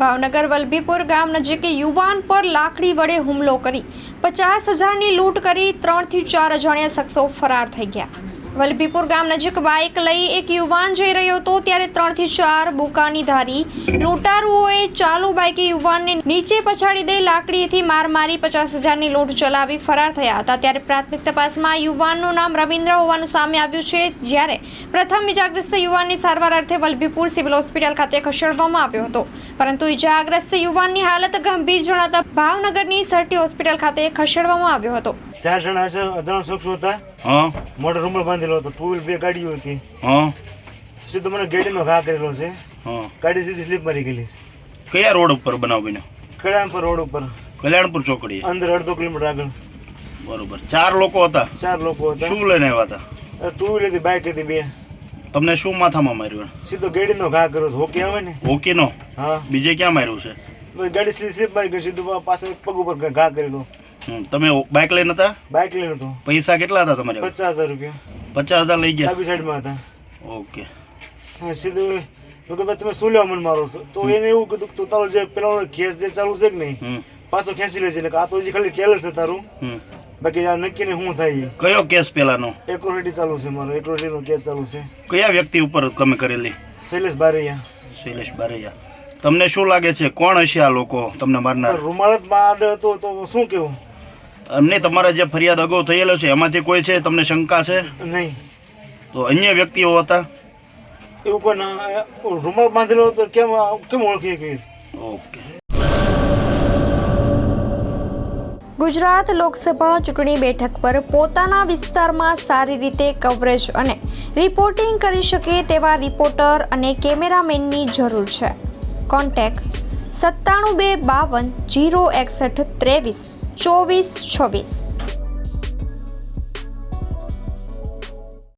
ભાવનગર વલભીપુર ગામ નજીક યુવાન પર લાકડી વડે હુમલો કરી 50,000ની લૂંટ કરી 3 થી 4 અજાણ્યા શખ્સો ફરાર થઈ ગયા। વલભીપુર ગામ નજીક બાઇક લઈ એક યુવાન જઈ રહ્યો હતો ત્યારે 3 થી 4 બુકાની ધારી લૂંટારુઓએ ચાલુ બાઇકે યુવાનને નીચે પછાડી દઈ લાકડીથી માર મારી 50,000ની લૂંટ ચલાવી ફરાર થયા હતા। ત્યારે પ્રાથમિક તપાસમાં યુવાનનું નામ રવિન્દ્ર હોવાનું સામે આવ્યું છે, જ્યારે પ્રથમ ઇજાગ્રસ્ત યુવાનની સારવાર અર્થે વલભીપુર સિવિલ હોસ્પિટલ ખાતે ખસેડવામાં આવ્યો હતો, પરંતુ ઇજાગ્રસ્ત યુવાનની હાલત ગંભીર જણાતા ભાવનગરની સરટી હોસ્પિટલ ખાતે ખસેડવામાં આવ્યો હતો। 4 જણા છે, અજાણ શખ્સો હતા। મોટો રૂમાલ બાંધેલો હતો, 2 વ્હીલ 2 ગાડીઓ હતી। સીધો મને ગાડીનો ઘા કરેલો છે। ગાડી સીધી સ્લીપ મારી ગયેલી છે। કયા રોડ ઉપર બનાવ બન્યો? કલ્યાણપુર રોડ ઉપર, કલ્યાણપુર ચોકડી અંદર 1.5 કિલોમીટર આગળ। બરોબર। 4 લોકો હતા? 4 લોકો હતા। શું લઈને આવ્યા હતા? 2 વ્હીલ હતી, બાઇક હતી 2। તમને શું માથામાં માર્યું? સીધો ગાડીનો ઘા કર્યો છે, હોકી આવે ને હોકીનો? હા। બીજે ક્યાં માર્યું છે? ગાડી સ્લીપ મારી ગઈ, સીધું પાસે પગ ઉપર ઘા કરેલો। તમે બાઇક લઈને હતા? બાઇક લઈને હતો। પૈસા કેટલા હતા તમારે? 50,000 રૂપિયા। 50,000 લઈ ગયા? ડાબી સાઈડમાં હતા। ઓકે। સીધું કે ભાઈ તમે શું લેવા મને મારો છો? તો એને એવું કીધું કે તારો જે પેલો ખેસ જે ચાલુ છે કે નહીં, પાછો ખેંચી લેજે, એટલે આ તો હજી ખાલી ટેલર છે તારું, બાકી આ નક્કી ને શું થાય। કયો કેસ પેલાનો? એક્રોસિટી ચાલુ છે, મારો એક્રોસિટીનો કેસ ચાલુ છે। કયા વ્યક્તિ ઉપર તમે કરેલી? શૈલેષ બારૈયા। શૈલેષ બારૈયા। તમને શું લાગે છે કોણ હશે આ લોકો તમને મારનાર? રૂમાલ જ બાદ હતો તો શું કેવું? અમને તમારા જે ફરિયાદ અગાઉ થયેલો છે એમાંથી કોઈ છે તમને શંકા છે? નહીં। તો અન્ય વ્યક્તિઓ હતા? એવું કોઈ રૂમાલ બાંધેલો હતો, કેમ ઓળખી ગઈ? ઓકે। ગુજરાત લોકસભા ચૂંટણી બેઠક પર પોતાના વિસ્તારમાં સારી રીતે કવરેજ અને રિપોર્ટિંગ કરી શકે તેવા રિપોર્ટર અને કેમેરામેનની જરૂર છે। કોન્ટેક્ટ 97 252 061 23 24 26।